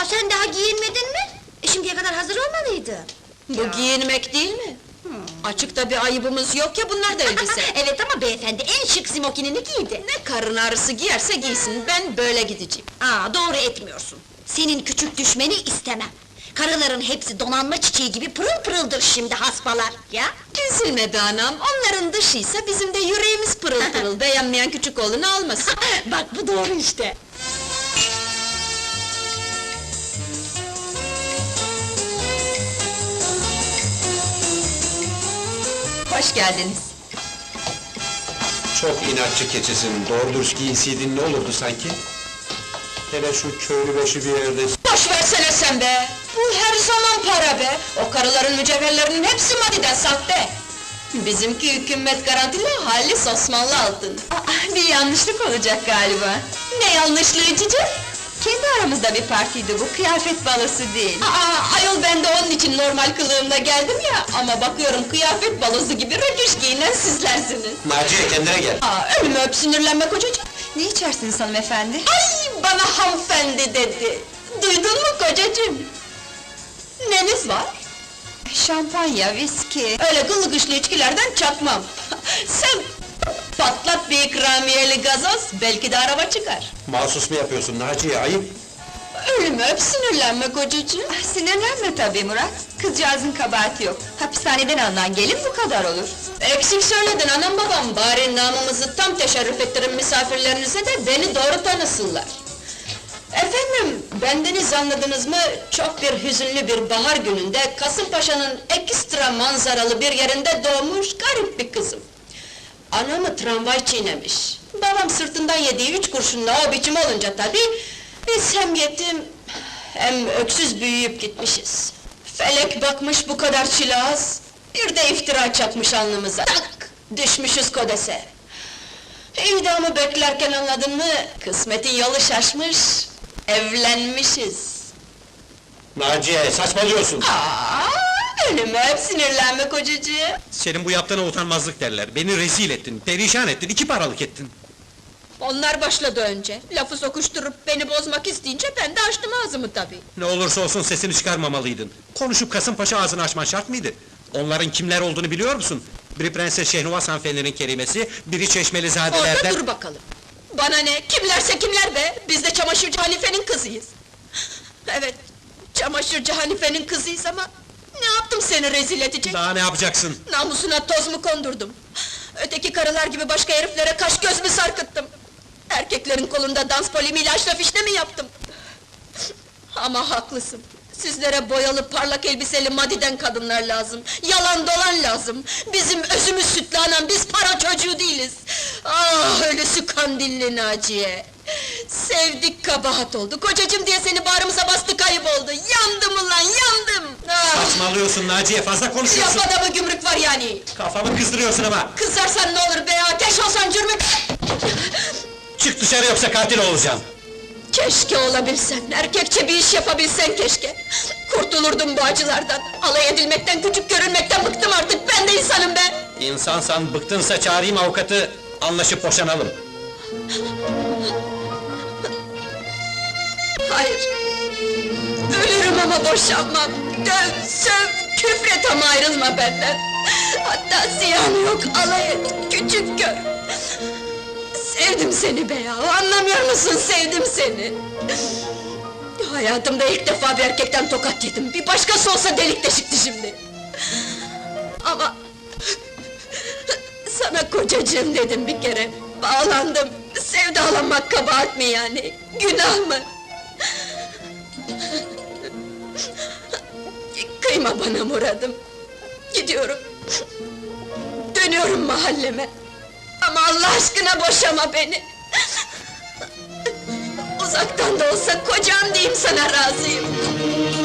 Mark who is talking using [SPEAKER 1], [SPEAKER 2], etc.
[SPEAKER 1] Aa, sen daha giyinmedin mi? Şimdiye kadar hazır olmalıydı.
[SPEAKER 2] Bu giyinmek değil mi? Açıkta bir ayıbımız yok ya, bunlar da elbise!
[SPEAKER 1] Evet ama beyefendi en şık smokinini giydi.
[SPEAKER 2] Ne karın ağrısı giyerse giysin, ben böyle gideceğim!
[SPEAKER 1] Aa, doğru etmiyorsun. Senin küçük düşmeni istemem. Karıların hepsi donanma çiçeği gibi pırıl pırıldır şimdi hasbalar, ya!
[SPEAKER 2] Üzülme be anam, onların dışıysa bizim de yüreğimiz pırıl pırıl, beğenmeyen küçük oğlunu almasın!
[SPEAKER 1] Bak bu doğru işte!
[SPEAKER 2] Hoş geldiniz!
[SPEAKER 3] Çok inatçı keçisin, doğru dürüst giyinseydin ne olurdu sanki? Hele şu köylü başı bir yerde...
[SPEAKER 2] Boş versene sen be! Bu her zaman para be! O karıların mücevherlerinin hepsi madiden sahte! Bizimki hükümet garantili, halis Osmanlı altın! Bir yanlışlık olacak galiba! Ne yanlışlığı cicim? Kendi aramızda bir partiydi bu, kıyafet balosu değil! Ayol ben de onun için normal kılığımla geldim ya! Ama bakıyorum kıyafet balosu gibi rötuş giyinen sizlersiniz!
[SPEAKER 3] Naciye kendine gel!
[SPEAKER 2] Ölümü öp sinirlenme kocacığım! Ne içersiniz hanımefendi? Ay, bana hanımefendi dedi! Duydun mu kocacığım? Neniz var? Şampanya, viski... Öyle gıllı güçlü içkilerden çakmam! Sen patlat bir ikramiyeli gazoz, belki de araba çıkar!
[SPEAKER 3] Mahsus mu yapıyorsun Naciye, ayıp!
[SPEAKER 2] Ölümü öp sinirlenme kocacığım! Sinirlenme tabii Murat! Kızcağızın kabahati yok! Hapishaneden alınan gelin bu kadar olur! Eksik söyledin anam babam! Bari namımızı tam teşerrüf ettirin misafirlerinize de beni doğru tanısınlar! Efendim, bendeniz anladınız mı? Çok bir hüzünlü bir bahar gününde Kasımpaşa'nın ekstra manzaralı bir yerinde doğmuş garip bir kızım. Anamı tramvay çiğnemiş. Babam sırtından yediği 3 kurşunla o biçim olunca tabii, biz hem yetim hem öksüz büyüyüp gitmişiz. Felek bakmış bu kadar çile az, bir de iftira çakmış alnımıza. Tak! Düşmüşüz kodese. İdamı beklerken anladın mı? Kısmetin yolu şaşmış, evlenmişiz.
[SPEAKER 3] Naciye, saçmalıyorsun!
[SPEAKER 2] Ölümü öp sinirlenme kocacığım!
[SPEAKER 4] Senin bu yaptığına utanmazlık derler. Beni rezil ettin, perişan ettin, 2 paralık ettin.
[SPEAKER 2] Onlar başladı önce, lafı sokuşturup beni bozmak isteyince ben de açtım ağzımı tabii.
[SPEAKER 4] Ne olursa olsun sesini çıkarmamalıydın. Konuşup Kasımpaşa ağzını açman şart mıydı? Onların kimler olduğunu biliyor musun? Biri Prenses Şehnuvaz hanımefendinin kerimesi, biri Çeşmelizadelerden...
[SPEAKER 2] Orada dur bakalım! Bana ne, kimlerse kimler be! Biz de çamaşırcı Hanife'nin kızıyız! Evet, çamaşırcı Hanife'nin kızıyız ama... Ne yaptım seni rezil edecek?
[SPEAKER 4] Daha ne yapacaksın?
[SPEAKER 2] Namusuna toz mu kondurdum? Öteki karılar gibi başka heriflere kaş göz mü sarkıttım? Erkeklerin kolunda dans polimiyle aşraf işte mi yaptım? Ama haklısın! Sizlere boyalı, parlak elbiseli madiden kadınlar lazım! Yalan dolan lazım! Bizim özümüz sütlü anam, biz para çocuğu değiliz! Ah, ölüsü kandilli Naciye! Sevdik kabahat oldu, kocacığım diye seni bağrımıza bastık ayıp oldu! Yandım ulan, yandım! Ah!
[SPEAKER 4] Saçmalıyorsun Naciye, fazla konuşuyorsun!
[SPEAKER 2] Lafada mı gümrük var yani?
[SPEAKER 4] Kafamı kızdırıyorsun ama!
[SPEAKER 2] Kızarsan ne olur be, ateş olsan cürmük!
[SPEAKER 4] Çık dışarı yoksa katil olacağım!
[SPEAKER 2] Keşke olabilsen, erkekçe bir iş yapabilsen keşke! Kurtulurdum bu acılardan, alay edilmekten, küçük görünmekten bıktım artık, ben de insanım be!
[SPEAKER 4] İnsansan, bıktınsa çağırayım avukatı, anlaşıp boşanalım!
[SPEAKER 2] Hayır! Ölürüm ama boşanmam! Döv, söv, küfret ama ayrılma benden! Hatta ziyanı yok, alay et, küçük gör! Sevdim seni be ya, anlamıyor musun, sevdim seni! Hayatımda ilk defa bir erkekten tokat yedim, bir başkası olsa delik deşikti şimdi! Ama... Sana kocacığım dedim bir kere, bağlandım! Sevdalanmak kabahat mi yani, günah mı? Kıyma bana Murad'ım! Gidiyorum! Dönüyorum mahalleme! Ama Allah aşkına boşama beni! Uzaktan da olsa kocam diyeyim sana razıyım!